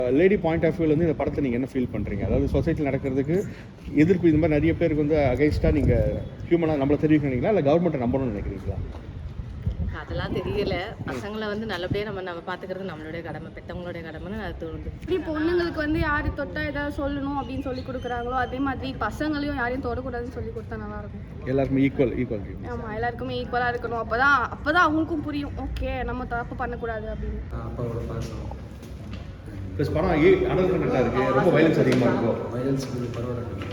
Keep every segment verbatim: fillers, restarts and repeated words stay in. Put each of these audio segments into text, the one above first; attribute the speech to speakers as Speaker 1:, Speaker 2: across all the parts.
Speaker 1: Lady point of வியூலேருந்து இந்த படத்தை நீங்கள் என்ன ஃபீல் பண்ணுறீங்க? அதாவது சொசைட்டியில் நடக்கிறதுக்கு எதிர்ப்பு இந்த மாதிரி நிறைய பேருக்கு வந்து அகைன்ஸ்டாக நீங்கள் ஹியூமனாக நம்மளை தெரிவிக்க நினைக்கிறீங்களா, இல்லை கவர்மெண்ட்டை நம்பணும்னு நினைக்கிறீங்களா?
Speaker 2: அதெல்லாம் தெரியல. பசங்களை வந்து நல்லபடியாக நம்ம நம்ம பார்த்துக்கிறது நம்மளுடைய கடமை, பெற்றவங்களுடைய கடமைன்னு அது தோணுது.
Speaker 3: இப்படி பொண்ணுங்களுக்கு வந்து யார் தொட்டா ஏதாவது சொல்லணும் அப்படின்னு சொல்லி கொடுக்குறாங்களோ அதே மாதிரி பசங்களையும் யாரையும் தொடக்கூடாதுன்னு சொல்லி கொடுத்தா நல்லாயிருக்கும்.
Speaker 1: எல்லாருக்குமே ஈக்குவல் ஈக்குவல்
Speaker 3: ஆமாம், எல்லாருக்குமே ஈக்குவலாக இருக்கணும். அப்போ தான் அப்போ தான் அவங்களுக்கும் புரியும், ஓகே நம்ம தப்பு பண்ணக்கூடாது அப்படின்னு.
Speaker 4: அப்பாவோட பாசம்
Speaker 1: ப்ளஸ் படம் ஏ அடல் கண்டென்ட்டாக இருக்குது, ரொம்ப வயலன்ஸ் அதிகமாக இருக்கும்.
Speaker 4: வயலன்ஸ் கொஞ்சம் பரவாயில்ல.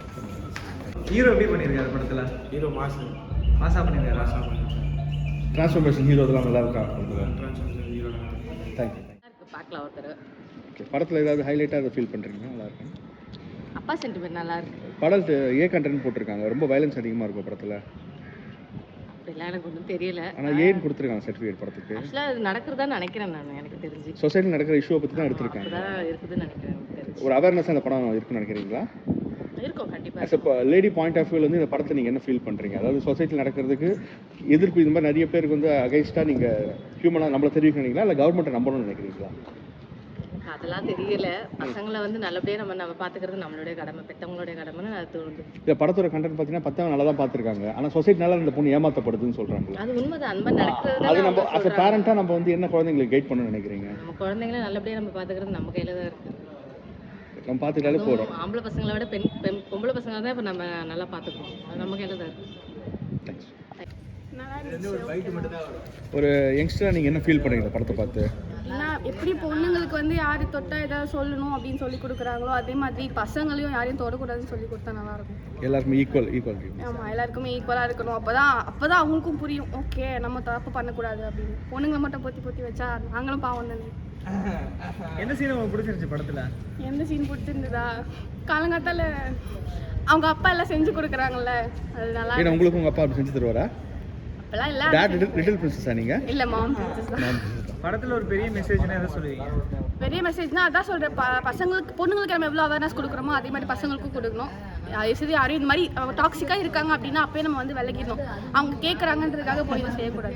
Speaker 5: ஹீரோ எப்படி பண்ணியிருக்காரு படத்தில்?
Speaker 6: ஹீரோ மாசு
Speaker 5: மாசா பண்ணியிருக்காரு.
Speaker 6: மாசா பண்ணிருக்காரு.
Speaker 1: ட்ரான்ஸ்ஃபர்மேஷன் ஹீரோ இதெல்லாம் நல்லா இருக்கா?
Speaker 6: Transformation hero
Speaker 1: thank you.
Speaker 2: இருக்கு, பார்க்கலாம் ஒருத்தர்.
Speaker 1: ஓகே, படத்தில் ஏதாவது ஹைலைட்டாக அதை ஃபீல் பண்ணுறீங்க? நல்லா இருக்கும்.
Speaker 2: அப்பா சென்டிமெண்ட் நல்லா இருக்கு.
Speaker 1: படம் ஏ கண்டென்ட் போட்டிருக்காங்க, ரொம்ப வயலன்ஸ் அதிகமாக இருக்கும் படத்தில்.
Speaker 2: அப்படிலாம் எனக்கு ஒன்றும் தெரியல.
Speaker 1: ஆனால் ஏன்னு கொடுத்துருக்காங்க சர்டிஃபிகேட் படத்துக்கு.
Speaker 2: ஆக்சுவலாக அது நடக்கிறதா நினைக்கிறேன் நான், எனக்கு தெரிஞ்சு
Speaker 1: சொசைட்டியில் நடக்கிற இஷ்யூவை பற்றி தான் எடுத்திருக்காங்க.
Speaker 2: அப்படிதான் இருக்குதுன்னு நினைக்கிறேன் எனக்கு தெரிஞ்சு.
Speaker 1: ஒரு அவேர்னஸ் அந்த படம் இருக்குன்னு நினைக்கிறீங்களா?
Speaker 2: இருக்கும் கண்டிப்பாக.
Speaker 1: As a lady point of வியூலேருந்து இந்த படத்தை நீங்கள் என்ன ஃபீல் பண்ணுறீங்க? அதாவது சொசைட்டியில் நடக்கிறதுக்கு எதிர்ப்பு இந்த மாதிரி நிறைய பேருக்கு வந்து அகைன்ஸ்டாக நீங்கள் ஹியூமனாக நம்மளை தெரிவிக்க நினைக்கிறீங்களா, இல்லை கவர்மெண்ட்டை நம்பணும்னு நினைக்கிறீங்களா?
Speaker 2: அதெல்லாம் தெரியல. பசங்களை வந்து நல்லபடியாக நம்ம நம்ம பார்த்துக்கிறது நம்மளுடைய கடமை, பெற்றவங்களுடைய கடமைன்னு அது தோணுது.
Speaker 1: இந்த படத்தோட கண்டென்ட் பார்த்தீங்கன்னா பத்தவங்க நல்லா தான் பார்த்துருக்காங்க, ஆனால் சொசைட்டினால இந்த பொண்ணு ஏமாற்றப்படுதுன்னு சொல்கிறாங்க.
Speaker 2: அது உண்மைதான், அந்த மாதிரி நடக்கிறது.
Speaker 1: அது நம்ம அஸ் அ பேரண்ட்டாக நம்ம வந்து என்ன குழந்தைங்களுக்கு கைட் பண்ணணும்னு நினைக்கிறீங்க?
Speaker 2: நம்ம குழந்தைங்கள நல்லபடியாக நம்ம பார்த்துக்கிறது நம்ம கையில் தான் இருக்குது.
Speaker 1: நம்ம பார்த்துக்கிட்டாலே போகிறோம்.
Speaker 2: ஆம்பளை பசங்களை விட பெண் பெண் பொம்பளை பசங்களை தான் இப்போ நம்ம நல்லா பார்த்துக்கணும், அது நம்ம கையில் தான் இருக்குது.
Speaker 1: தேங்க்ஸ்.
Speaker 3: நல்லா இருந்துச்சு.
Speaker 1: ஒரு யங்ஸ்டராக நீங்கள் என்ன ஃபீல் பண்ணுறீங்க இந்த படத்தை பார்த்து?
Speaker 3: ஏன்னா எப்படி பொண்ணுங்களுக்கு வந்து யார் தொட்டா ஏதாவது சொல்லணும் அப்படின்னு சொல்லி கொடுக்குறாங்களோ அதே மாதிரி பசங்களையும் யாரையும் தொடக்கூடாதுன்னு சொல்லி கொடுத்தா நல்லாயிருக்கும்.
Speaker 1: எல்லாருமே ஈக்குவல் ஈக்குவல்
Speaker 3: ஆமாம், எல்லாருக்குமே ஈக்குவலாக இருக்கணும். அப்போ தான் அப்போ தான் அவங்களுக்கும் புரியும், ஓகே நம்ம தப்பு பண்ணக்கூடாது அப்படின்னு. பொண்ணுங்களை மட்டும் பொத்தி பொத்தி வச்சா நாங்களும் பாவம் தானே.
Speaker 5: எந்த சீன் உங்களுக்கு பிடிச்சிருந்துச்சு படத்தில்?
Speaker 3: எந்த சீன் பிடிச்சிருந்ததா? காலங்காத்தால அவங்க அப்பா எல்லாம் செஞ்சு கொடுக்குறாங்கல்ல, அது நல்லா.
Speaker 1: ஏன்னா உங்களுக்கு உங்கள் அப்பா அப்படி செஞ்சு தருவாரா?
Speaker 3: அப்பெல்லாம் இல்லை.
Speaker 1: டாட் லிட்டில் பிரின்சஸா நீங்கள்?
Speaker 3: இல்லை, மாம் பிரின்சஸ் தான்.
Speaker 5: படத்தில் ஒரு பெரிய மெசேஜ்னா எதை சொல்லுவீங்க?
Speaker 3: பெரிய மெசேஜ்னா அதான் சொல்கிறேன், ப பசங்களுக்கு பொண்ணுங்களுக்கு நம்ம எவ்வளோ அவேர்னஸ் கொடுக்குறோமோ அதே மாதிரி பசங்களுக்கும் கொடுக்கணும். சரி, யாரும் இந்த மாதிரி டாக்ஸிக்காக இருக்காங்க அப்படின்னா அப்பயே நம்ம வந்து விலகிடணும். அவங்க கேட்குறாங்கன்றதுக்காக போய் செய்யக்கூடாது.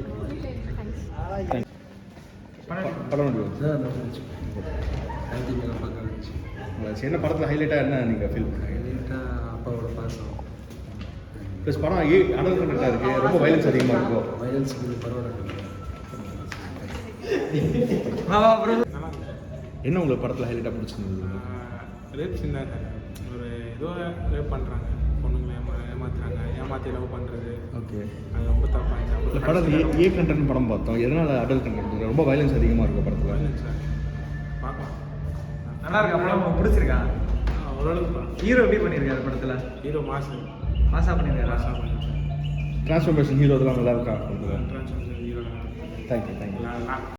Speaker 1: படம் வந்து
Speaker 4: சார் நல்லா இருந்துச்சு. ஐடி மேலே பார்க்க இருந்துச்சு.
Speaker 1: என்ன படத்தில் ஹைலைட்டாக என்ன நீங்கள் ஃபீல் பண்ணுறீங்க?
Speaker 4: ஹைலைட்டாக அப்பாவோட பாசம்
Speaker 1: ப்ளஸ் படம் ஏ அடல் கண்டென்ட்டாக இருக்குது, ரொம்ப வயலன்ஸ் அதிகமாக இருக்கும்.
Speaker 4: வயலன்ஸ் கொஞ்சம் பரவாயில்ல.
Speaker 1: என்ன உங்களுக்கு படத்தில் ஹைலைட்டாக பிடிச்சிருந்தது?
Speaker 6: ரேப் சீன் தான் சார். ஒரு ஏதோ ரேப் பண்ணுறாங்க, பொண்ணுங்களை ஏமா ஏமாத்துறாங்க, ஏமாற்றி லவ் பண்ணுறது.
Speaker 1: ஓகே,
Speaker 6: அது ரொம்ப தப்பாக
Speaker 1: இந்த படம் ஏ ஏ கண்டென்ட் படம் பார்த்தோம், எதனால் அடல் கண்டென்ட் ரொம்ப வயலன்ஸ் அதிகமாக இருக்கும் படத்தில்?
Speaker 6: சார் பார்க்கலாம்.
Speaker 5: நல்லா இருக்கா படம்? உங்களுக்கு பிடிச்சிருக்கா?
Speaker 6: ஓரளவுக்கு.
Speaker 5: ஹீரோ எப்படி பண்ணியிருக்காரு படத்தில்?
Speaker 6: ஹீரோ மாசு
Speaker 5: மாசா பண்ணியிருக்காரு.
Speaker 6: மாசா பண்ணிருக்காரு.
Speaker 1: ட்ரான்ஸ்ஃபர்மேஷன் ஹீரோ இதெல்லாம் நல்லா இருக்கா?
Speaker 6: Transformation hero
Speaker 1: thank you thank you.
Speaker 6: நல்லா